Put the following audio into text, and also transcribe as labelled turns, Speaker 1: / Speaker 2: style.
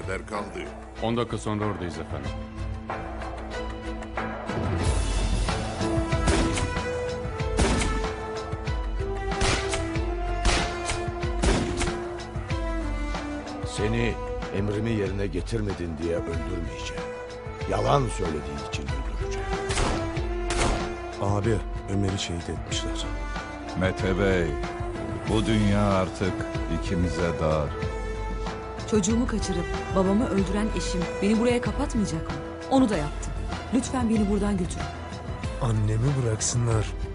Speaker 1: kadar kaldı?
Speaker 2: 10 dakika sonra oradayız efendim.
Speaker 3: Seni emrimi yerine getirmedin diye öldürmeyeceğim. Yalan söylediğin için öldüreceğim.
Speaker 4: Abi, Ömer'i şehit etmişler.
Speaker 5: Mete Bey, bu dünya artık ikimize dar.
Speaker 6: Çocuğumu kaçırıp babamı öldüren eşim beni buraya kapatmayacak mı? Onu da yaptı. Lütfen beni buradan götürün.
Speaker 4: Annemi bıraksınlar.